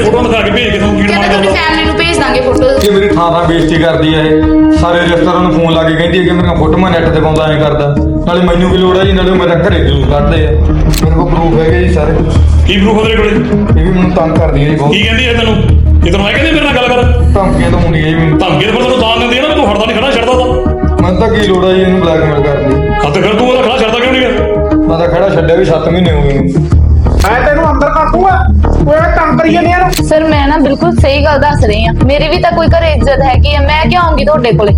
Photo दिखा के भेज के तुम कीड़ मार ਕਹਿੰਦਾ ਫੈਮਿਲੀ ਨੂੰ ਭੇਜ ਦਾਂਗੇ ਫੋਟੋ। ਕਿ ਮੇਰੀ ਥਾਂ ਬੇਇੱਜ਼ਤੀ ਕਰਦੀ ਆ ਇਹ। ਸਾਰੇ ਰਿਸ਼ਤੇਦਾਰਾਂ ਨੂੰ ਫੋਨ ਲਾ ਕੇ ਕਹਿੰਦੀ ਹੈ ਕਿ ਮੇਰੀਆਂ ਫੋਟੋਆਂ ਨੈੱਟ ਤੇ ਪਾਉਂਦਾ ਐਂ ਕਰਦਾ। ਨਾਲੇ ਮੈਨੂੰ ਕੀ ਲੋੜ ਆ ਜੀ, ਨਾਲੇ ਮੇਰੇ ਘਰੇ ਜਲੂਸ ਕੱਢਦੇ ਆ। ਮੇਰੇ ਕੋਲ ਪ੍ਰੂਫ ਹੈਗੇ ਜੀ ਸਾਰੇ। ਕੀ ਪ੍ਰੂਫ ਉਹਦੇ ਕੋਲੇ? ਇਹ ਵੀ ਮੈਨੂੰ ਤੰਗ ਕਰਦੀ ਹੈ ਜੀ ਬਹੁਤ। ਕੀ ਕਹਿੰਦੀ ਹੈ ਤੈਨੂੰ? ਇਹ ਤੈਨੂੰ ਮੈਂ ਕਹਿੰਦੀ ਮੇਰੇ ਨਾਲ ਗੱਲ ਕਰ। ਧਮਕੀਆਂ ਤਾਂ ਹੁੰਦੀਆਂ ਜੀ ਮੈਨੂੰ। ਧਮਕੀ ਤਾਂ ਫਿਰ ਤੈਨੂੰ ਤਾਂ ਦਿੰਦੀ ਆ ਨਾ, ਤੂੰ ਹਟਦਾ ਨਹੀਂ ਖੜਾ ਛੱਡਦਾ ਤਾਂ। ਮੈਨੂੰ ਤਾਂ ਕੀ ਲੋੜ ਆ ਜੀ ਇਹਨੂੰ ਬਲੈਕਮੇਲ ਕਰਨ ਦੀ। ਹਾਂ ਤੇ ਫਿਰ ਤੂੰ ਉਹਦਾ ਖੜਾ ਛੱਡਦਾ ਕਿਉਂ ਨਹੀਂ ਗਿਆ? ਮੈਂ ਤਾਂ ਖੜਾ ਛੱਡਿਆ ਵੀ 7 ਮਹੀਨੇ ਹੋ ਗਏ ਮੈਨੂੰ। ਮੈਂ ਤੈਨੂੰ ਅੰਦਰ ਕਰ ਦੂੰਗਾ, ਕੋਈ ਕੰਮ ਕਰੀ ਜਾਂਦੇ ਆ। ਸਰ ਮੈਂ ਨਾ ਬਿਲਕੁਲ ਸਹੀ ਗੱਲ ਦੱਸ ਰਹੀ ਹਾਂ, ਮੇਰੀ ਵੀ ਤਾਂ ਕੋਈ ਘਰੇ ਇੱਜ਼ਤ ਹੈਗੀ ਆ, ਮੈਂ ਕਿਉਂ ਆਉਂਗੀ ਤੁਹਾਡੇ ਕੋਲੇ?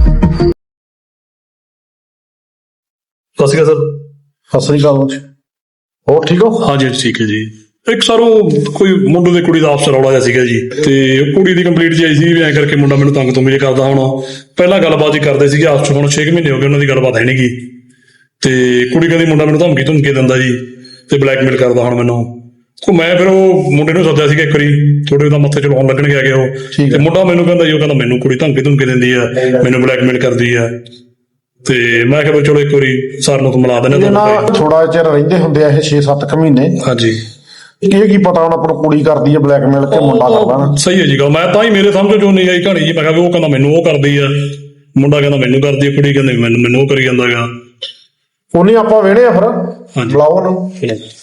ਸਤਿ ਸ਼੍ਰੀ ਅਕਾਲ ਸਰ। ਸਤਿ ਸ੍ਰੀ ਅਕਾਲ। ਹੋਰ ਠੀਕ ਹੋ? ਹਾਂਜੀ ਠੀਕ ਹੈ ਜੀ। ਇੱਕ ਸਾਰੋ ਕੋਈ ਮੁੰਡੇ ਦੇ ਕੁੜੀ ਦਾ ਆਪਸ ਰੌਲਾ ਜਿਹਾ ਸੀਗਾ ਜੀ, ਤੇ ਕੁੜੀ ਦੀ ਕੰਪਲੀਟ ਜੀ ਆਈ ਸੀ ਵੀ ਐਂ ਕਰਕੇ ਮੁੰਡਾ ਮੈਨੂੰ ਤੰਗ ਤੋਂ ਮੇਰੇ ਕਰਦਾ। ਹੁਣ ਪਹਿਲਾਂ ਗੱਲਬਾਤ ਹੀ ਕਰਦੇ ਸੀਗੇ ਆਪਸ 'ਚ, ਹੁਣ 6 ਮਹੀਨੇ ਹੋ ਗਏ ਉਹਨਾਂ ਦੀ ਗੱਲਬਾਤ ਹੈ ਨੀ ਗੀ। ਤੇ ਕੁੜੀ ਕਹਿੰਦੀ ਮੁੰਡਾ ਮੈਨੂੰ ਧਮਕੀ ਦਿੰਦਾ ਜੀ ਤੇ ਬਲੈਕਮੇਲ ਕਰਦਾ ਹੁਣ ਮੈਨੂੰ। ਉਹ ਮੈਂ ਫਿਰ ਉਹ ਮੁੰਡੇ ਨੂੰ ਸੱਦਿਆ ਸੀਗਾ ਇੱਕ ਵਾਰੀ, ਥੋੜੇ ਉਹਦਾ ਮੱਥੇ ਚਲਾਉਣ ਲੱਗਣ ਗਿਆ ਉਹ। ਤੇ ਮੁੰਡਾ ਮੈਨੂੰ ਕਹਿੰਦਾ ਜੀ, ਉਹ ਕਹਿੰਦਾ ਮੈਨੂੰ ਕੁੜੀ ਧਮਕੀ ਦਿੰਦੀ ਆ, ਮੈਨੂੰ ਬਲੈਕਮੇਲ ਕਰਦੀ ਆ। ਤੇ ਮੈਂ ਕਿਹਾ ਚਲੋ ਇੱਕ ਵਾਰੀ ਸਰ ਨੂੰ ਤਾਂ ਮਿਲਾ ਦਿੰਦੇ ਆ। ਥੋੜਾ ਚਿਰ ਰਹਿੰਦੇ ਹੁੰਦੇ ਆ ਇਹ 6-7 ਮਹੀਨੇ। ਹਾਂਜੀ ਇਹ ਕੀ ਪਤਾ ਹੁਣ ਆਪਣੀ ਕੁੜੀ ਕਰਦੀ ਹੈ ਬਲੈਕਮੇਲ ਕਿ ਮੁੰਡਾ ਕਰਦਾ ਨਾ। ਸਹੀ ਹੈ ਜੀ ਗੱਲ। ਮੈਂ ਤਾਂ ਹੀ ਮੇਰੇ ਸਮਝ ਚੋਂ ਨਹੀਂ ਆਈ ਕਹਾਣੀ ਜੀ। ਮੈਂ ਕਿਹਾ ਵੀ ਉਹ ਕਹਿੰਦਾ ਮੈਨੂੰ ਉਹ ਕਰਦੀ ਆ, ਮੁੰਡਾ ਕਹਿੰਦਾ ਮੈਨੂੰ ਕਰਦੀ ਆ, ਕੁੜੀ ਕਹਿੰਦੀ ਮੈਨੂੰ ਉਹ ਕਰੀ ਜਾਂਦਾ ਗਾ। ਉਹਨੇ ਆਪਾਂ ਵੇਣੇ ਆ ਫਿਰ। ਹਾਂਜੀ। ਬੁਲਾਓ ਉਹਨੂੰ।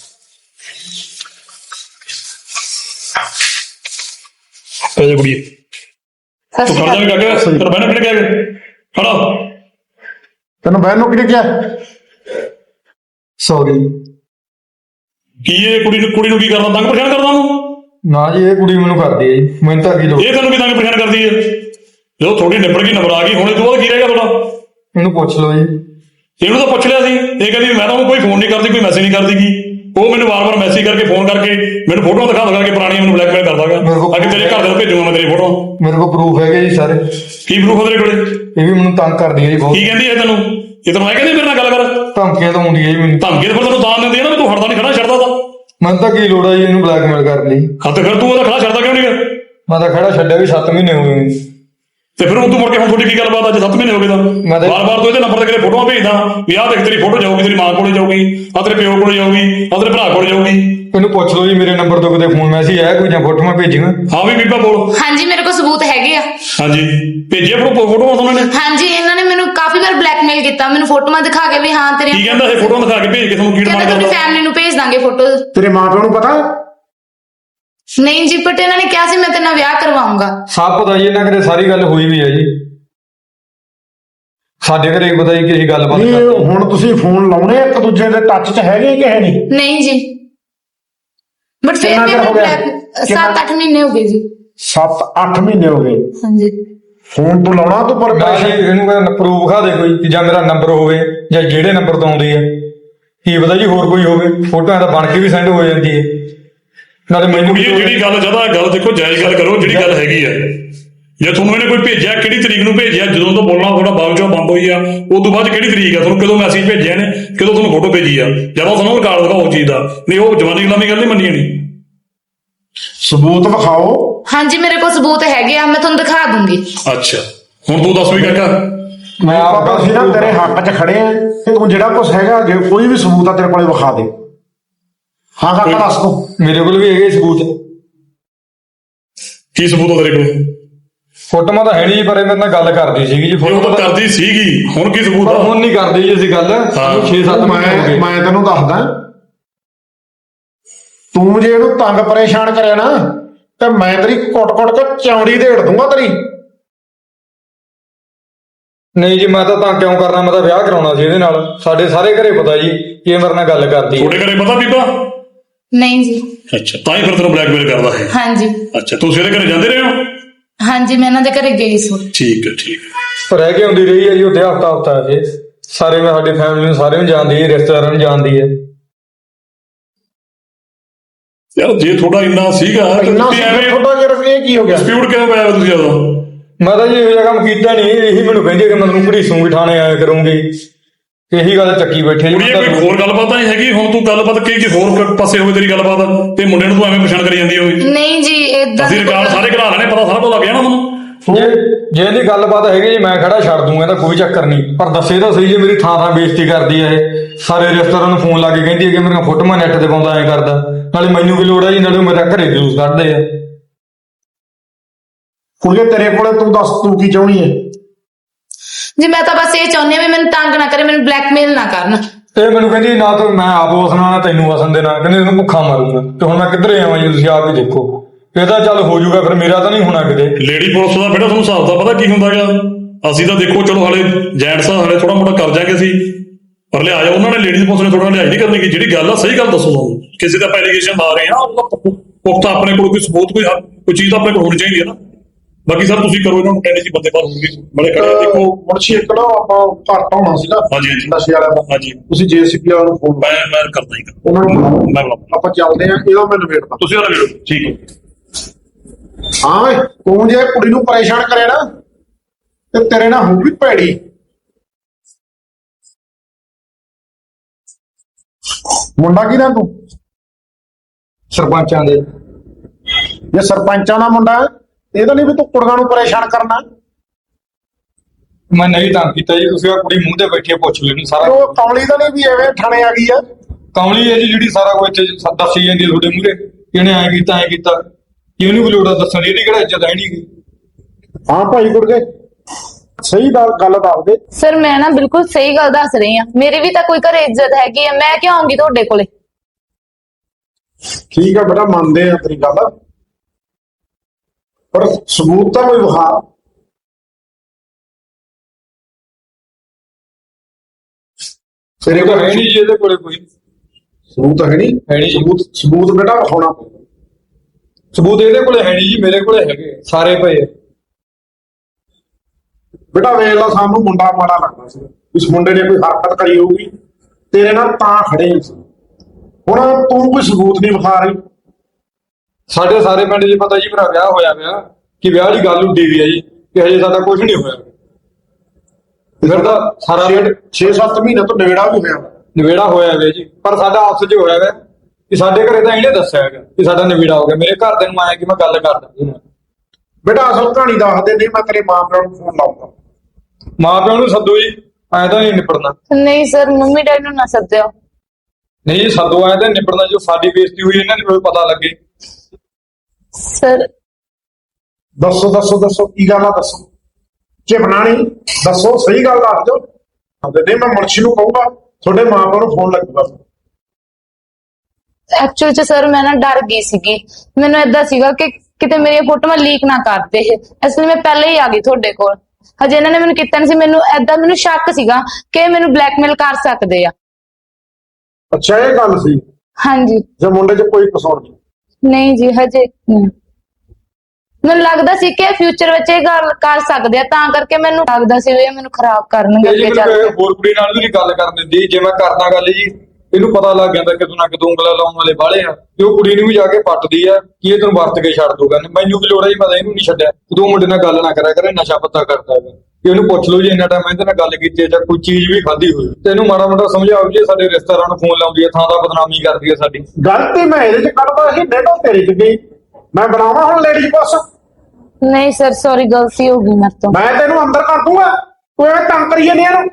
ਪੈ ਜਾ ਕੁੜੀਏ, ਤੂੰ ਖੜ ਜਾ ਕਾਕੇ, ਤੇਰਾ ਬਹਿਣਾ ਕਿਹਨੇ ਕਿਹਾ? ਖੜਾ। ਤੈਨੂੰ ਬਹਿਣ ਨੂੰ ਕਿਹਨੇ ਕਿਹਾ? ਸੌਰੀ। ਕੀ ਇਹ ਕੁੜੀ ਨੂੰ ਕੀ ਕਰਦਾ? ਤੰਗ ਪਰੇਸ਼ਾਨ ਕਰਦਾ ਉਹਨੂੰ? ਨਾ ਜੀ ਇਹ ਕੁੜੀ ਮੈਨੂੰ ਕਰਦੀ ਹੈ ਜੀ, ਮੈਨੂੰ ਤਾਂ ਕੀ ਲੋੜ। ਇਹ ਤੈਨੂੰ ਵੀ ਤੰਗ ਪਰੇਸ਼ਾਨ ਕਰਦੀ ਹੈ? ਜਦੋਂ ਥੋੜੀ ਨਿਬੜ ਗਈ ਨੰਬਰ ਆ ਗਈ, ਹੁਣ ਇਹ ਤੋਂ ਬਾਅਦ ਕੀ ਰਹੇਗਾ ਤੁਹਾਡਾ? ਇਹਨੂੰ ਪੁੱਛ ਲਓ ਜੀ। ਇਹਨੂੰ ਤਾਂ ਪੁੱਛ ਲਿਆ ਸੀ, ਇਹ ਕਹਿੰਦੀ ਮੈਂ ਤਾਂ ਉਹਨੂੰ ਕੋਈ ਫੋਨ ਨਹੀਂ ਕਰਦੀ, ਕੋਈ ਮੈਸੇਜ ਨਹੀਂ ਕਰਦੀ ਗੀ। ਉਹ ਮੈਨੂੰ ਵਾਰ-ਵਾਰ ਮੈਸੇਜ ਕਰਕੇ ਫੋਨ ਕਰਕੇ ਮੈਨੂੰ ਫੋਟੋਆਂ ਦਿਖਾ ਕੇ ਪੁਰਾਣੀਆਂ ਮੈਨੂੰ ਬਲੈਕਮੇਲ ਕਰਦਾਗਾ। ਅੱਗੇ ਤੇਰੇ ਘਰ ਦੇ ਨੂੰ ਭੇਜੂਗਾ ਮੈਂ ਤੇਰੀ ਫੋਟੋ। ਮੇਰੇ ਕੋਲ ਪ੍ਰੂਫ ਹੈਗੇ ਜੀ ਸਾਰੇ। ਕੀ ਪ੍ਰੂਫ ਉਹਦੇ ਕੋਲੇ? ਇਹ ਵੀ ਮੈਨੂੰ ਤੰਗ ਕਰਦੀ ਹੈ ਜੀ ਬਹੁਤ। ਕੀ ਕਹਿੰਦੀ ਹੈ ਤੈਨੂੰ? ਇਹ ਤੈਨੂੰ ਮੈਂ ਕਹਿੰਦੀ ਮੇਰੇ ਨਾਲ ਗੱਲ ਕਰ। ਧਮਕੀਆਂ ਤਾਂ ਹੁੰਦੀਆਂ ਜੀ ਮੈਨੂੰ। ਧਮਕੀ ਤਾਂ ਫਿਰ ਤੈਨੂੰ ਤਾਂ ਦਿੰਦੀ ਆ ਨਾ, ਤੂੰ ਹਟਦਾ ਨਹੀਂ ਖੜਾ ਛੱਡਦਾ ਤਾਂ। ਮੈਨੂੰ ਤਾਂ ਕੀ ਲੋੜ ਆ ਜੀ ਇਹਨੂੰ ਬਲੈਕਮੇਲ ਕਰਨ ਦੀ। ਹਾਂ ਤੇ ਫਿਰ ਤੂੰ ਉਹਦਾ ਖੜਾ ਛੱਡਦਾ ਕਿਉਂ ਨਹੀਂ ਗਿਆ? ਮੈਂ ਤਾਂ ਖੜਾ ਛੱਡਿਆ ਵੀ 7 ਮਹੀਨੇ ਹੋ ਗਏ ਮੈਨੂੰ। ਤੇ ਫਿਰ ਉਹ ਤੂੰ ਮੁੜ ਕੇ ਹੁਣ ਤੁਹਾਡੀ ਕੀ ਗੱਲਬਾਤ? ਅੱਜ 7 ਮਹੀਨੇ ਹੋ ਗਏ ਤਾਂ ਵਾਰ-ਵਾਰ ਤੂੰ ਇਹਦੇ ਨੰਬਰ ਤੇ ਕਿਤੇ ਫੋਟੋਆਂ ਭੇਜਦਾ ਵੀ ਆਹ ਦੇਖ ਤੇਰੀ ਫੋਟੋ ਜਾਊਗੀ, ਤੇਰੀ ਮਾਂ ਕੋਲੇ ਜਾਊਗੀ, ਆਹ ਤੇਰੇ ਪਿਓ ਕੋਲੇ ਜਾਊਗੀ, ਆਹ ਤੇਰੇ ਭਰਾ ਕੋਲੇ ਜਾਊਗੀ। ਇਹਨੂੰ ਪੁੱਛ ਲਓ ਜੀ ਮੇਰੇ ਨੰਬਰ ਤੋਂ ਕਿਤੇ ਫੋਨ ਮੈਸੇਜ ਆਇਆ ਕੋਈ ਜਾਂ ਫੋਟੋਆਂ ਭੇਜੀਆਂ? ਹਾਂ ਵੀ ਬੀਬਾ ਬੋਲ। ਹਾਂਜੀ ਮੇਰੇ ਕੋਲ ਸਬੂਤ ਹੈਗੇ ਆ। ਹਾਂਜੀ ਭੇਜਿਆ ਫੋਟੋਆਂ ਉਹਨਾਂ ਨੇ? ਹਾਂਜੀ ਇਹਨਾਂ ਨੇ ਮੈਨੂੰ ਕਾਫੀ ਵਾਰ ਬਲੈਕਮੇਲ ਕੀਤਾ, ਮੈਨੂੰ ਫੋਟੋਆਂ ਦਿਖਾ ਕੇ ਵੀ ਹਾਂ ਤੇਰੇ ਕੀ ਕਹਿੰਦਾ ਇਹ ਫੋਟੋਆਂ ਦਿਖਾ ਕੇ ਭੇਜ ਕੇ ਤੁਹਾਨੂੰ ਕੀੜ ਮਾਰ ਕਹਿੰਦਾ ਕਰਦਾ? ਫੈਮਿਲੀ ਨੂੰ ਭੇਜ ਦਾਂਗੇ ਫੋਟੋ। ਤੇਰੇ ਮਾਂ ਪਿਓ ਨੂੰ ਪਤਾ? ਨਹੀਂ ਜੀ, ਬਟ ਇਹਨਾਂ ਨੇ ਕਿਹਾ ਸੀ ਮੈਂ ਤੇਰੇ ਨਾਲ ਵਿਆਹ ਕਰਵਾਉਂਗਾ। ਸਭ ਪਤਾ ਜੀ ਇਹਨਾਂ ਘਰੇ ਸਾਰੀ ਗੱਲ ਹੋਈ ਵੀ ਹੈ ਜੀ। ਸਾਡੇ ਘਰੇ ਪਤਾ ਜੀ ਕਿਸੇ ਗੱਲਬਾਤ ਨਹੀਂ ਕਰਦੇ। ਹੁਣ ਤੁਸੀਂ ਫੋਨ ਲਾਉਣੇ ਇੱਕ ਦੂਜੇ ਦੇ ਟੱਚ 'ਚ ਹੈਗੇ ਕਿ ਹੈ ਨਹੀਂ? ਨਹੀਂ ਜੀ, ਬਟ ਫਿਰ ਕਿੰਨਾ ਵੀ ਚਿਰ ਹੋ ਗਿਆ? 7-8 ਮਹੀਨੇ ਹੋ ਗਏ ਜੀ। 7-8 ਮਹੀਨੇ ਹੋ ਗਏ। ਹਾਂਜੀ ਫੋਨ ਤੂੰ ਲਾਉਣਾ ਤੂੰ ਪਰ ਨਾ ਜੀ ਇਹਨੂੰ ਕਹਿੰਦਾ ਪ੍ਰੂਫ ਖਾ ਦੇ ਕੋਈ ਕਿ ਜਾਂ ਮੇਰਾ ਨੰਬਰ ਹੋਵੇ ਜਾਂ ਜਿਹੜੇ ਨੰਬਰ ਤੋਂ ਆਉਂਦੀ ਹੈ। ਕੀ ਪਤਾ ਜੀ ਹੋਰ ਕੋਈ ਹੋਵੇ, ਫੋਟੋਆਂ ਤਾਂ ਬਣ ਕੇ ਵੀ ਸੈਂਡ ਹੋ ਜਾਂਦੀ ਹੈ। ਨਾਲੇ ਮੈਨੂੰ ਇਹ ਜਿਹੜੀ ਗੱਲ ਗੱਲ ਦੇਖੋ ਜਾਇਜ਼ ਗੱਲ ਕਰੋ, ਜਿਹੜੀ ਗੱਲ ਹੈਗੀ ਆ। ਜੇ ਤੁਹਾਨੂੰ ਇਹਨੇ ਕੋਈ ਭੇਜਿਆ, ਕਿਹੜੀ ਤਰੀਕ ਨੂੰ ਭੇਜਿਆ? ਜਦੋਂ ਤੋਂ ਬੋਲਣਾ ਤੁਹਾਡਾ ਬਾਵਜੂਦ ਬੰਦ ਹੋਈ ਆ, ਉਸ ਤੋਂ ਬਾਅਦ ਕਿਹੜੀ ਤਰੀਕ ਆ? ਤੁਹਾਨੂੰ ਕਦੋਂ ਮੈਸੇਜ ਭੇਜਿਆ ਨੇ, ਕਦੋਂ ਤੁਹਾਨੂੰ ਫੋਟੋ ਭੇਜੀ ਆ? ਜਦੋਂ ਤੁਹਾਨੂੰ ਰਿਕਾਰਡ ਦਿਖਾਓ ਉਸ ਚੀਜ਼ ਦਾ। ਨਹੀਂ ਉਹ ਜਵਾਨੀ ਗੁਲਾਮੀ ਗੱਲ ਨਹੀਂ ਮੰਨੀ ਜਾਣੀ। ਸਬੂਤ ਵਿਖਾਓ। ਹਾਂਜੀ ਮੇਰੇ ਕੋਲ ਸਬੂਤ ਹੈਗੇ ਆ, ਮੈਂ ਤੁਹਾਨੂੰ ਦਿਖਾ ਦੂੰਗੀ। ਅੱਛਾ ਹੁਣ ਤੂੰ ਦੱਸ ਵੀ ਕਾਕਾ। ਮੈਂ ਆਪ ਅਸੀਂ ਨਾ ਤੇਰੇ ਹੱਕ 'ਚ ਖੜੇ ਆ। ਤੂੰ ਜਿਹੜਾ ਕੁਝ ਹੈਗਾ ਜੇ ਕੋਈ ਵੀ ਸਬੂਤ ਆ ਤੇਰੇ ਕੋਲੇ ਵਿਖਾ ਦੇ। ਹਾਂ ਕਾਕਾ ਦੱਸ ਤੂੰ। ਮੇਰੇ ਕੋਲ ਵੀ ਹੈਗੇ ਸਬੂਤ। ਕੀ ਸਬੂਤ ਆ ਤੇਰੇ ਕੋਲ? ਫੋਟੋਆਂ ਤਾਂ ਹੈ ਨਹੀਂ ਜੀ, ਪਰ ਇਹਨਾਂ ਨਾਲ ਗੱਲ ਕਰਦੀ ਸੀਗੀ ਜੀ। ਉਹ ਤਾਂ ਕਰਦੀ ਸੀਗੀ, ਹੁਣ ਕੀ ਸਬੂਤ ਪਰ ਆ? ਹੁਣ ਨਹੀਂ ਕਰਦੇ ਜੀ ਅਸੀਂ ਗੱਲ। 6-7 ਮਹੀਨੇ ਹੋ ਗਏ। ਮੈਂ ਤੈਨੂੰ ਦੱਸਦਾ, ਤੂੰ ਜੇ ਇਹਨੂੰ ਤੰਗ ਪਰੇਸ਼ਾਨ ਕਰਿਆ ਨਾ ਤੇ ਮੈਂ ਤੇਰੀ ਕੁੱਟ-ਕੁੱਟ ਕੇ ਚੌੜੀ ਢੇੜ ਦੂੰਗਾ ਤੇਰੀ। ਨਹੀਂ ਜੀ ਮੈਂ ਤਾਂ ਕਿਉਂ ਕਰਨਾ, ਮੈਂ ਤਾਂ ਵਿਆਹ ਕਰਾਉਣਾ ਸੀ ਇਹਦੇ ਨਾਲ। ਸਾਡੇ ਸਾਰੇ ਘਰੇ ਪਤਾ ਜੀ ਕਿ ਇਹ ਮੇਰੇ ਨਾਲ ਗੱਲ ਕਰਦੀ ਹੈ। ਤੁਹਾਡੇ ਘਰੇ ਪਤਾ ਬੀਬਾ? ਨਹੀਂ ਜੀ। ਅੱਛਾ ਤਾਂ ਹੀ ਫਿਰ ਤੈਨੂੰ ਬਲੈਕਮੇਲ ਕਰਦਾ ਹੈ? ਹਾਂਜੀ ਅੱਛਾ ਤੁਸੀਂ ਇਹਦੇ ਘਰੇ ਜਾਂਦੇ ਰਹੇ ਹੋ? ਹਾਂਜੀ ਮੈਂ ਇਹਨਾਂ ਦੇ ਘਰੇ ਗਈ ਸੀ। ਠੀਕ ਹੈ ਠੀਕ ਹੈ। ਰਹਿ ਕੇ ਆਉਂਦੀ ਰਹੀ ਹੈ ਜੀ ਉੱਥੇ ਹਫ਼ਤਾ ਜੀ। ਸਾਰੇ ਮੈਂ ਸਾਡੀ ਫੈਮਿਲੀ ਨੂੰ ਸਾਰਿਆਂ ਨੂੰ ਜਾਣਦੀ ਹੈ, ਰਿਸ਼ਤੇਦਾਰਾਂ ਨੂੰ ਜਾਣਦੀ ਹੈ। ਯਾਰ ਜੇ ਤੁਹਾਡਾ ਇੰਨਾ ਸੀਗਾ ਇੰਨਾ ਛੋਟਾ ਜਿਹਾ ਇਹ ਕੀ ਹੋ ਗਿਆ? ਡਿਸਪਿਊਟ ਕਿਉਂ ਪਾਇਆ ਤੁਸੀਂ ਉਦੋਂ? ਮੈਂ ਤਾਂ ਜੀ ਇਹੋ ਜਿਹਾ ਕੰਮ ਕੀਤਾ ਨਹੀਂ। ਇਹੀ ਮੈਨੂੰ ਕਹਿੰਦੀ ਕਿ ਮੈਂ ਤੈਨੂੰ ਘੜੀਸੂੰਗੀ, ਥਾਣੇ ਆਇਆ ਕਰੂੰਗੀ। ਇਹੀ ਗੱਲ ਚੱਕੀ ਬੈਠੇ ਜੀ। ਕੁੜੀਏ ਕੋਈ ਹੋਰ ਗੱਲਬਾਤ ਨਹੀਂ ਹੈਗੀ? ਹੁਣ ਤੂੰ ਗੱਲਬਾਤ ਕੀ ਹੋਰ ਪਾਸੇ ਹੋਵੇ ਤੇਰੀ ਗੱਲਬਾਤ, ਤੇ ਮੁੰਡੇ ਨੂੰ ਤੂੰ ਐਵੇਂ ਪਛਾਣ ਕਰੀ ਜਾਂਦੀ ਹੋਵੇ? ਨਹੀਂ ਜੀ ਏਦਾਂ ਅਸੀਂ ਰਿਕਾਰਡ ਸਾਰੇ ਕਢਾ ਲੈਣੇ, ਪਤਾ ਸਾਰਾ ਕੁਝ ਲੱਗ ਜਾਣਾ ਤੁਹਾਨੂੰ। ਜੇ ਇਹਦੀ ਗੱਲਬਾਤ ਹੈਗੀ ਜੀ ਮੈਂ ਖੜਾ ਛੱਡ ਦੂੰਗਾ, ਤਾਂ ਕੋਈ ਚੱਕਰ ਨਹੀਂ। ਪਰ ਦੱਸੇ ਤਾਂ ਸਹੀ ਜੀ ਮੇਰੀ ਥਾਂ ਬੇਇੱਜ਼ਤੀ ਕਰਦੀ ਹੈ ਇਹ। ਸਾਰੇ ਰਿਸ਼ਤੇਦਾਰਾਂ ਨੂੰ ਫੋਨ ਲਾ ਕੇ ਕਹਿੰਦੀ ਹੈ ਕਿ ਮੇਰੀਆਂ ਫੋਟੋਆਂ ਨੈੱਟ ਤੇ ਪਾਉਂਦਾ ਐਂ ਕਰਦਾ। ਨਾਲੇ ਮੈਨੂੰ ਕੀ ਲੋੜ ਆ ਜੀ, ਨਾਲੇ ਮੇਰੇ ਘਰੇ ਜਲੂਸ ਕੱਢਦੇ ਆ। ਕੁੜੀਏ ਤੇਰੇ ਕੋਲੇ ਤੂੰ ਦੱਸ ਤੂੰ ਕੀ ਚਾਹੁੰਦੀ ਹੈ? ਜੀ ਮੈਂ ਤਾਂ ਬਸ ਇਹ ਚਾਹੁੰਦੀ ਹਾਂ ਵੀ ਮੈਨੂੰ ਤੰਗ ਨਾ ਕਰੇ, ਮੈਨੂੰ ਬਲੈਕਮੇਲ ਨਾ ਕਰਨ। ਇਹ ਮੈਨੂੰ ਕਹਿੰਦੀ ਨਾ ਤਾਂ ਮੈਂ ਆਪ ਵਸਣਾ ਨਾ ਤੈਨੂੰ ਵਸਣ ਦੇਣਾ, ਕਹਿੰਦੀ ਤੈਨੂੰ ਭੁੱਖਾ ਮਾਰੂੰਗਾ। ਤੇ ਹੁਣ ਮੈਂ ਕਿੱਧਰੇ ਆਵਾਂ ਜੀ, ਤੁਸੀਂ ਆਪ ਹੀ ਦੇਖੋ। ਇਹ ਤਾਂ ਚੱਲ ਹੋ ਜਾਊਗਾ, ਫਿਰ ਮੇਰਾ ਤਾਂ ਨਹੀਂ ਹੋਣਾ ਕਿਤੇ। ਲੇਡੀ ਪੁਲਿਸ ਦਾ ਬੇਟਾ ਤੁਹਾਨੂੰ ਹਿਸਾਬ ਦਾ ਪਤਾ ਕੀ ਹੁੰਦਾਗਾ? ਅਸੀਂ ਤਾਂ ਦੇਖੋ ਚਲੋ ਹਾਲੇ ਜੈਂਟਸ ਹਲੇ ਥੋੜਾ ਮੋਟਾ ਕਰ ਜਾਾਂਗੇ ਅਸੀਂ, ਪਰ ਲਿਆਇਆ ਉਹਨਾਂ ਨੇ ਲੇਡੀਜ਼ ਪੁਲਿਸ ਨੇ ਥੋੜਾ ਲਿਆਈ ਨਹੀਂ ਕਰਨੀ। ਜਿਹੜੀ ਗੱਲ ਆ ਸਹੀ ਗੱਲ ਦੱਸੋ ਤੁਹਾਨੂੰ, ਕਿਸੇ ਦਾ ਐਲੀਗੇਸ਼ਨ ਲਾ ਰਹੇ ਆ ਉਹਦਾ ਪੁਖਤਾ ਆਪਣੇ ਕੋਲ ਕੋਈ ਸਬੂਤ ਕੋਈ ਚੀਜ਼ ਤਾਂ ਆਪਣੇ ਕੋਲ ਹੋਣੀ ਚਾਹੀਦੀ ਹੈ ਨਾ। ਬਾਕੀ ਸਰ ਤੁਸੀਂ ਕਰੋ, ਇਹਨਾਂ ਨੂੰ ਕਹਿੰਦੇ ਸੀ ਬੰਦੇ ਬਾਹਰ ਹੋਣਗੇ ਬੜੇ ਖੜੇ ਆ, ਦੇਖੋ। ਮੁਨਸ਼ੀ ਇੱਕ ਨਾ ਆਪਾਂ ਘੱਟ ਹੋਣਾ ਸੀ ਨਾ ਹਾਂਜੀ ਹਾਂਜੀ ਨਸ਼ੇ ਵਾਲਾ ਦਾ। ਹਾਂਜੀ ਤੁਸੀਂ ਜੇਸੀਪੀ ਵਾਲਿਆਂ ਨੂੰ ਫੋਨ ਮੈਂ ਕਰਦਾ ਹੀ ਕਰਦਾ, ਉਹਨਾਂ ਨੂੰ ਬੁਲਾਓ। ਮੈਂ ਬੁਲਾਉਂਦਾ। ਆਪਾਂ ਚੱਲਦੇ ਆਂ, ਇਹਦਾ ਮੈਂ ਨਿਬੇੜਦਾ। ਤੁਸੀਂ ਉਹਦਾ ਮਿਲੋ, ਠੀਕ ਹੈ। ਹਾਂ ਓਏ, ਤੂੰ ਜੇ ਕੁੜੀ ਨੂੰ ਪਰੇਸ਼ਾਨ ਕਰੇ ਨਾ ਤੇ ਤੇਰੇ ਨਾਲ ਹੋਊਗੀ ਭੈੜੀ। ਮੁੰਡਾ ਕਿਹਦਾ ਤੂੰ? ਸਰਪੰਚਾਂ ਦੇ। ਜੇ ਸਰਪੰਚਾਂ ਦਾ ਮੁੰਡਾ ਹੈ, ਇਹ ਤਾਂ ਨਹੀਂ ਵੀ ਤੂੰ ਕੁੜੀਆਂ ਨੂੰ ਪਰੇਸ਼ਾਨ ਕਰਨਾ। ਮੈਂ ਨਹੀਂ ਤੰਗ ਕੀਤਾ ਜੀ, ਤੁਸੀਂ ਆ ਕੁੜੀ ਮੂੰਹ ਤੇ ਬੈਠੀ ਪੁੱਛ ਲੈਣੀ ਤੇ ਸਾਰਾ। ਉਹ ਕਮਲੀ ਤਾਂ ਨਹੀਂ ਵੀ ਐਵੇਂ ਥਾਣੇ ਆ ਗਈ ਆ? ਕਮਲੀ ਹੈ ਜੀ ਜਿਹੜੀ ਸਾਰਾ ਕੁਝ ਇੱਥੇ ਦੱਸੀ ਜਾਂਦੀ ਹੈ ਤੁਹਾਡੇ ਮੂਹਰੇ, ਇਹਨੇ ਐਂ ਕੀਤਾ ਐਂ ਕੀਤਾ। ਕਿ ਉਹਨੂੰ ਵੀ ਲੋੜ ਆ ਦੱਸਣ ਦੀ, ਇਹਦੀ ਕਿਹੜਾ ਇੱਜ਼ਤ ਹੈ ਨਹੀਂ ਗੀ। ਹਾਂ ਭਾਈ ਗੁਰਗੇ, ਸਹੀ ਗੱਲ ਦੱਸ ਦੇ। ਸਰ ਮੈਂ ਨਾ ਬਿਲਕੁਲ ਸਹੀ ਗੱਲ ਦੱਸ ਰਹੀ ਹਾਂ, ਮੇਰੀ ਵੀ ਤਾਂ ਕੋਈ ਘਰੇ ਇੱਜ਼ਤ ਹੈਗੀ ਆ, ਮੈਂ ਕਿਉਂ ਆਉਂਗੀ ਤੁਹਾਡੇ ਕੋਲੇ? ਠੀਕ ਆ ਬੇਟਾ, ਮੰਨਦੇ ਆ ਤੇਰੀ ਗੱਲ, ਪਰ ਸਬੂਤ ਤਾਂ ਕੋਈ ਵਿਖਾ। ਤੇਰੇ ਕੋਲ ਹੈ ਨਹੀਂ ਜੀ ਇਹਦੇ ਕੋਲੇ ਕੋਈ ਸਬੂਤ ਹੈ ਨਹੀਂ? ਹੈ ਨਹੀਂ ਜੀ। ਸਬੂਤ ਬੇਟਾ ਵਿਖਾਉਣਾ। ਸਬੂਤ ਇਹਦੇ ਕੋਲੇ ਹੈ ਨਹੀਂ ਜੀ, ਮੇਰੇ ਕੋਲੇ ਹੈਗੇ ਸਾਰੇ ਪਏ। ਬੇਟਾ ਵੇਖ ਲਾ, ਸਾਨੂੰ ਮੁੰਡਾ ਮਾੜਾ ਲੱਗਦਾ ਸੀ, ਇਸ ਮੁੰਡੇ ਨੇ ਕੋਈ ਹਰਕਤ ਕਰੀ ਹੋਊਗੀ ਤੇਰੇ ਨਾਲ ਤਾਂ ਖੜੇ ਹਾਂ। ਹੁਣ ਤੂੰ ਕੋਈ ਸਬੂਤ ਨਹੀਂ ਵਿਖਾ ਰਹੀ। ਸਾਡੇ ਸਾਰੇ ਪਿੰਡ 'ਚ ਪਤਾ ਜੀ ਮੇਰਾ ਵਿਆਹ ਹੋਇਆ ਪਿਆ, ਕਿ ਵਿਆਹ ਦੀ ਗੱਲ ਉੱਡੀ ਵੀ ਹੈ ਜੀ, ਕਿ ਹਜੇ ਸਾਡਾ ਕੁਝ ਨਹੀਂ ਹੋਇਆ। ਫਿਰ ਤਾਂ ਸਾਰਾ ਪਿੰਡ 6-7 ਮਹੀਨੇ ਤੋਂ ਨਵੇੜਾ ਵੀ ਹੋਇਆ। ਨਿਬੇੜਾ ਹੋਇਆ ਹੋਇਆ ਜੀ, ਪਰ ਸਾਡਾ ਆਪਸ 'ਚ ਹੋਇਆ ਹੋਇਆ ਕਿ ਸਾਡੇ ਘਰੇ ਤਾਂ ਇਹਨੇ ਦੱਸਿਆ ਹੈਗਾ ਕਿ ਸਾਡਾ ਨਿਬੇੜਾ ਹੋ ਗਿਆ। ਮੇਰੇ ਘਰਦਿਆਂ ਨੂੰ ਆਇਆ ਕਿ ਮੈਂ ਗੱਲ ਕਰਦਾ। ਬੇਟਾ ਅਸਲ ਕਹਾਣੀ ਦੱਸ ਦੇ, ਨਹੀਂ ਮੈਂ ਤੇਰੇ ਮਾਂ ਪਿਓ ਨੂੰ ਫੋਨ ਲਾਉਂਗਾ। ਮਾਂ ਪਿਓ ਨੂੰ ਸੱਦੋ ਜੀ, ਐਂ ਤਾਂ ਨਹੀਂ ਨਿਪੜਨਾ। ਨਹੀਂ ਸਰ, ਮੰਮੀ ਡੈਡੀ ਨੂੰ ਨਾ ਸੱਦਿਓ। ਨਹੀਂ ਜੀ ਸੱਦੋ, ਐਂ ਤਾਂ ਨਿਪੜਨਾ। ਜੋ ਸਾਡੀ ਬੇਇੱਜ਼ਤੀ ਹੋਈ ਇਹਨਾਂ ਨੂੰ ਪਤਾ ਲੱਗੇ। ਸਰ ਦੱਸੋ ਕੀ ਗੱਲ ਆ, ਦੱਸੋ। ਝਿਪਣਾ ਨਹੀਂ, ਦੱਸੋ ਸਹੀ ਗੱਲ ਦੱਸ ਦਿਓ। ਨਹੀਂ ਮੈਂ ਮੁਨਸ਼ੀ ਨੂੰ ਕਹੂੰਗਾ, ਤੁਹਾਡੇ ਮਾਂ ਪਿਓ ਨੂੰ ਫੋਨ ਲੱਗੂਗਾ। ਐਕਚੁਅਲ ਚ ਸਰ ਮੈਂ ਨਾ ਡਰ ਗਈ ਸੀਗੀ, ਮੈਨੂੰ ਏਦਾਂ ਸੀਗਾ ਕਿ ਕਿਤੇ ਮੇਰੀਆਂ ਫੋਟੋਆਂ ਲੀਕ ਨਾ ਕਰ ਦੇ, ਇਸ ਲਈ ਮੈਂ ਪਹਿਲੇ ਹੀ ਆ ਗਈ ਤੁਹਾਡੇ ਕੋਲ। ਹਜੇ ਇਹਨਾਂ ਨੇ ਮੈਨੂੰ ਕੀਤਾ ਨਹੀਂ ਸੀ, ਮੈਨੂੰ ਸ਼ੱਕ ਸੀਗਾ ਕਿ ਮੈਨੂੰ ਬਲੈਕਮੇਲ ਕਰ ਸਕਦੇ ਆ। ਅੱਛਾ ਇਹ ਗੱਲ ਸੀ? ਹਾਂਜੀ। ਜੇ ਮੁੰਡੇ 'ਚ ਕੋਈ ਕਸੂਰ ਨਹੀਂ? ਨਹੀਂ ਜੀ ਹਜੇ ਨਹੀਂ। ਮੈਨੂੰ ਲੱਗਦਾ ਸੀ ਕਿ ਫਿਊਚਰ ਵਿੱਚ ਇਹ ਗੱਲ ਕਰ ਸਕਦੇ ਆ, ਤਾਂ ਕਰਕੇ ਮੈਨੂੰ ਲੱਗਦਾ ਸੀ ਵੀ ਇਹ ਮੈਨੂੰ ਖਰਾਬ ਕਰਨਗੇ ਅੱਗੇ ਚੱਲ ਕੇ। ਹੋਰ ਕੁੜੀ ਨਾਲ ਵੀ ਨਹੀਂ ਗੱਲ ਕਰਨ ਦਿੰਦੀ। ਜੇ ਮੈਂ ਕਰਦਾ ਗੱਲ ਜੀ, ਇਹਨੂੰ ਪਤਾ ਲੱਗ ਜਾਂਦਾ ਕਿ ਤੂੰ ਨਾ ਕਿਦੋਂ ਉਂਗਲਾਂ ਲਾਉਣ ਵਾਲੇ ਬਾਹਲੇ ਆ, ਤੇ ਉਹ ਕੁੜੀ ਨੂੰ ਵੀ ਜਾ ਕੇ ਪੱਟਦੀ ਆ ਕਿ ਇਹ ਤੈਨੂੰ ਵਰਤ ਕੇ ਛੱਡ ਦੂਗਾ। ਮੈਨੂੰ ਕੀ ਲੋੜ ਹੈ ਜੀ, ਮੈਂ ਇਹਨੂੰ ਨਹੀਂ ਛੱਡਿਆ। ਤੂੰ ਮੁੰਡੇ ਨਾਲ ਗੱਲ ਨਾ ਕਰਿਆ ਕਰ, ਨਸ਼ਾ ਪੱਤਾ ਕਰਦਾ ਹੈਗਾ। ਕਿ ਉਹਨੂੰ ਪੁੱਛ ਲਓ ਜੀ, ਇੰਨਾ ਟਾਈਮ ਇਹਦੇ ਨਾਲ ਗੱਲ ਕੀਤੀ ਹੈ ਜਾਂ ਕੋਈ ਚੀਜ਼ ਵੀ ਖਾਧੀ ਹੋਈ, ਤੇ ਇਹਨੂੰ ਮਾੜਾ ਮੋਟਾ ਸਮਝਾਓ ਜੀ। ਸਾਡੇ ਰਿਸ਼ਤੇਦਾਰਾਂ ਨੂੰ ਫੋਨ ਲਾਉਂਦੀ ਹੈ, ਥਾਂ ਦਾ ਬਦਨਾਮੀ ਕਰਦੀ ਹੈ ਸਾਡੀ। ਗਲਤੀ ਮੈਂ ਇਹਦੇ 'ਚ ਕੱਢਦਾ ਸੀ, ਡੇਢੋ ਤੇਰੇ 'ਚ ਗਈ। ਮੈਂ ਬਣਾਵਾਂ ਹੁਣ ਲੇਡੀ ਬਸ? ਨਹੀਂ ਸਰ ਸੌਰੀ, ਗਲਤੀ ਹੋ ਗਈ ਮੇਰੇ ਤੋਂ। ਮੈਂ ਤੈਨੂੰ ਅੰਦਰ ਕਰ ਦੂੰਗਾ, ਤੂੰ ਐਵੇਂ ਤੰਗ ਕਰੀ ਜਾਂਦੀ ਇਹਨੂੰ।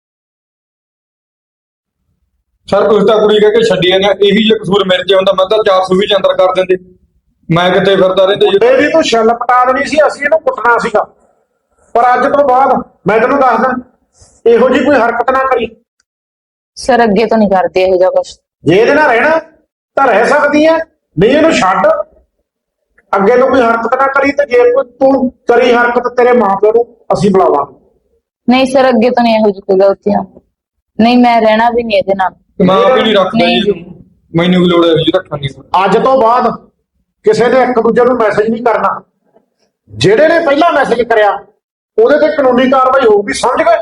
ਸਰ ਤੁਸੀਂ ਤਾਂ ਕੁੜੀ ਕਹਿ ਕੇ ਛੱਡੀ ਜਾਂਦੇ, ਇਹੀ ਜੇ ਕਸੂਰ ਮੇਰੇ 'ਚ ਹੁੰਦਾ ਮੈਂ ਤਾਂ 400 ਵੀ 'ਚ ਅੰਦਰ ਕਰ ਦਿੰਦੇ। ਮੈਂ ਕਿਤੇ ਫਿਰਦਾ ਰਹਿੰਦਾ ਜੀ। ਇਹਦੀ ਤੂੰ ਛੱਲ ਪਟਾ ਦੇਣੀ ਸੀ, ਅਸੀਂ ਇਹਨੂੰ ਕੁੱਟਣਾ ਸੀਗਾ। ਪਰ ਅੱਜ ਤੋਂ ਬਾਅਦ ਮੈਂ ਤੈਨੂੰ ਦੱਸਦਾ, ਇਹੋ ਜਿਹੀ ਕੋਈ ਹਰਕਤ ਨਾ ਕਰੀ। ਸਰ ਅੱਗੇ ਤੋਂ ਨਹੀਂ ਕਰਦੇ ਇਹੋ ਜਿਹਾ ਕੁਛ। ਜੇ ਇਹਦੇ ਨਾਲ ਰਹਿਣਾ ਤਾਂ ਰਹਿ ਸਕਦੀ ਹੈ, ਨਹੀਂ ਇਹਨੂੰ ਛੱਡ। ਅੱਗੇ ਤੋਂ ਕੋਈ ਹਰਕਤ ਨਾ ਕਰੀ, ਤੇ ਜੇ ਕੋਈ ਤੂੰ ਕਰੀ ਹਰਕਤ ਤੇਰੇ ਮਾਂ ਪਿਓ ਨੂੰ ਅਸੀਂ ਬੁਲਾਵਾਂਗੇ। ਨਹੀਂ ਸਰ ਅੱਗੇ ਤੋਂ ਨਹੀਂ ਇਹੋ ਜਿਹੀ ਕੋਈ ਗਲਤੀਆਂ। ਨਹੀਂ ਮੈਂ ਰਹਿਣਾ ਵੀ ਨਹੀਂ ਇਹਦੇ ਨਾਲ। ਮੈਂ ਆਪ ਹੀ ਨਹੀਂ ਰੱਖਦਾ ਜੀ, ਮੈਨੂੰ ਵੀ ਲੋੜ ਹੈ ਜੀ ਰੱਖਣ ਦੀ। ਅੱਜ ਤੋਂ ਬਾਅਦ ਕਿਸੇ ਨੇ ਇੱਕ ਦੂਜੇ ਨੂੰ ਮੈਸੇਜ ਨਹੀਂ ਕਰਨਾ। ਜਿਹੜੇ ਨੇ ਪਹਿਲਾਂ ਮੈਸੇਜ ਕਰਿਆ ਉਹਦੇ ਤੇ ਕਾਨੂੰਨੀ ਕਾਰਵਾਈ ਹੋਊਗੀ, ਸਮਝ ਗਏ?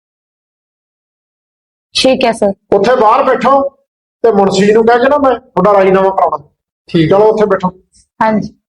ਠੀਕ ਹੈ ਸਰ। ਉੱਥੇ ਬਾਹਰ ਬੈਠੋ ਤੇ ਮੁਨਸ਼ੀ ਨੂੰ ਕਹਿ ਕੇ ਨਾ ਮੈਂ ਤੁਹਾਡਾ ਰਾਜੀਨਾਮਾ ਕਰਾਉਣਾ। ਠੀਕ, ਚਲੋ ਉੱਥੇ ਬੈਠੋ। ਹਾਂਜੀ।